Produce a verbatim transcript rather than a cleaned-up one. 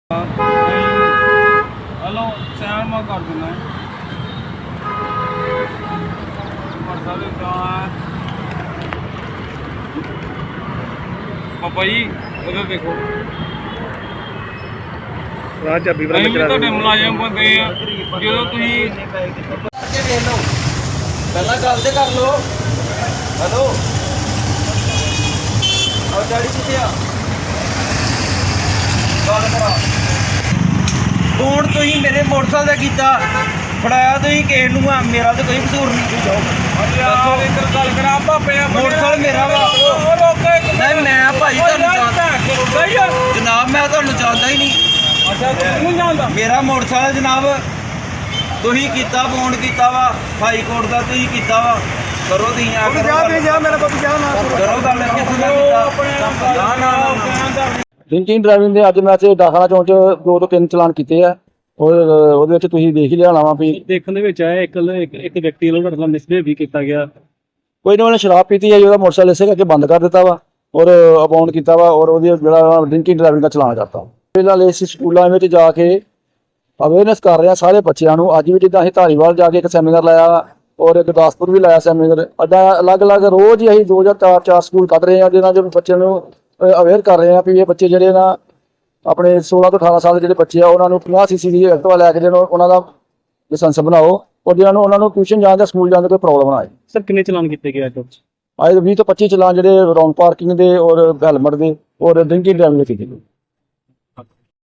Hello San मैं कर देना पापा जी उधर देखो चाबी मुलाजम बंदे जो पहला गल तो कर लो। हेलो और डैडी कितने आ गल करा फोन तो ही मेरे मोटरसाइकिल का किया फड़ाया तो ही किसी नूं आ मेरा तो कोई कसूर नहीं। जाओ गल करा पापे मोटरसाइकिल मेरा वा नहीं मैं भाई जनाब मैं तुहानूं जानदा ही नहीं। मेरा मोटरसाइकिल जनाब तुही कीता फोन कीता वा हाई कोर्ट का तुही कीता वा करो तुही आ करो करो गल किस ने कीता ना ना ਡਰਿੰਕਿੰਗ ਡਰਾਈਵਿੰਗ ਦੇ ਅੱਜ ਮੈਂ ਇੱਥੇ ਡਾਖਾਨਾ ਚੌਂਕ 'ਚ ਦੋ ਤੋਂ ਤਿੰਨ ਚਲਾਨ ਕੀਤੇ ਆ ਔਰ ਉਹਦੇ ਵਿੱਚ ਤੁਸੀਂ ਦੇਖ ਹੀ ਲਿਆ ਹੋਣਾ ਵਾ ਵੀ ਦੇਖਣ ਦੇ ਵਿੱਚ ਆਇਆ ਇੱਕ ਇੱਕ ਇੱਕ ਵਿਅਕਤੀ ਵੱਲੋਂ ਤੁਹਾਡੇ ਨਾਲ ਮਿਸਬਿਹੇਵ ਵੀ ਕੀਤਾ ਗਿਆ। ਕੋਈ ਨਾ ਉਹਨੇ ਸ਼ਰਾਬ ਪੀਤੀ ਹੈ ਜੀ ਉਹਦਾ ਮੋਟਰਸਾਈਕਲ ਇਸੇ ਕਰਕੇ ਬੰਦ ਕਰ ਦਿੱਤਾ ਵਾ ਔਰ ਅਬਾਉਂਡ ਕੀਤਾ ਵਾ ਔਰ ਉਹਦੀ ਜਿਹੜਾ ਡਰਿੰਕਿੰਗ ਡਰਾਈਵਿੰਗ ਦਾ ਚਲਾਨ ਕਰਤਾ। ਫਿਲਹਾਲ ਇਸ ਸਕੂਲਾਂ ਵਿੱਚ ਜਾ ਕੇ ਅਵੇਅਰਨੈਸ ਕਰ ਰਹੇ ਆ ਸਾਰੇ ਬੱਚਿਆਂ ਨੂੰ। ਅੱਜ ਵੀ ਜਿੱਦਾਂ ਅਸੀਂ ਧਾਰੀਵਾਲ ਜਾ ਕੇ ਇੱਕ ਸੈਮੀਨਾਰ ਲਾਇਆ ਔਰ ਗੁਰਦਾਸਪੁਰ ਵੀ ਲਾਇਆ ਸੈਮੀਨਾਰ। ਅੱਡਾ ਅਲੱਗ ਅਲੱਗ ਰੋਜ਼ ਹੀ ਅਸੀਂ ਦੋ ਜਾਂ ਚਾਰ ਚਾਰ ਸਕੂਲ ਕੱਢ ਰਹੇ ਹਾਂ ਜਿਹਨਾਂ 'ਚ ਬੱਚਿਆਂ ਨੂੰ ਅਵੇਅਰ ਕਰ ਰਹੇ ਆ ਵੀ ਇਹ ਬੱਚੇ ਜਿਹੜੇ ਨਾ ਆਪਣੇ ਸੋਲਾਂ ਤੋਂ ਅਠਾਰਾਂ ਸਾਲ ਦੇ ਜਿਹੜੇ ਬੱਚੇ ਆ ਉਹਨਾਂ ਨੂੰ ਪੰਜਾਹ ਸੀਸੀ ਦੀ ਐਕਟਿਵਾ ਲੈ ਕੇ ਜਿਹਨੂੰ ਉਹਨਾਂ ਦਾ ਲਾਇਸੈਂਸ ਬਣਾਓ ਔਰ ਜਿਹਨਾਂ ਨੂੰ ਉਹਨਾਂ ਨੂੰ ਟਿਊਸ਼ਨ ਜਾਣ ਜਾਂ ਸਕੂਲ ਜਾਣ ਦਾ ਕੋਈ ਪ੍ਰੋਬਲਮ ਨਾ ਆਏ। ਸਰ ਕਿੰਨੇ ਚਲਾਨ ਕੀਤੇ ਗਏ ਅੱਜ? ਅੱਜ ਵੀਹ ਤੋਂ ਪੱਚੀ ਚਲਾਨ ਜਿਹੜੇ ਰੌਂਗ ਪਾਰਕਿੰਗ ਦੇ ਔਰ ਹੈਲਮਟ ਦੇ ਔਰ ਡਰਿੰਕਿੰਗ ਡਰਾਈਵਿੰਗ ਦੇ ਕੀਤੇ ਗਏ।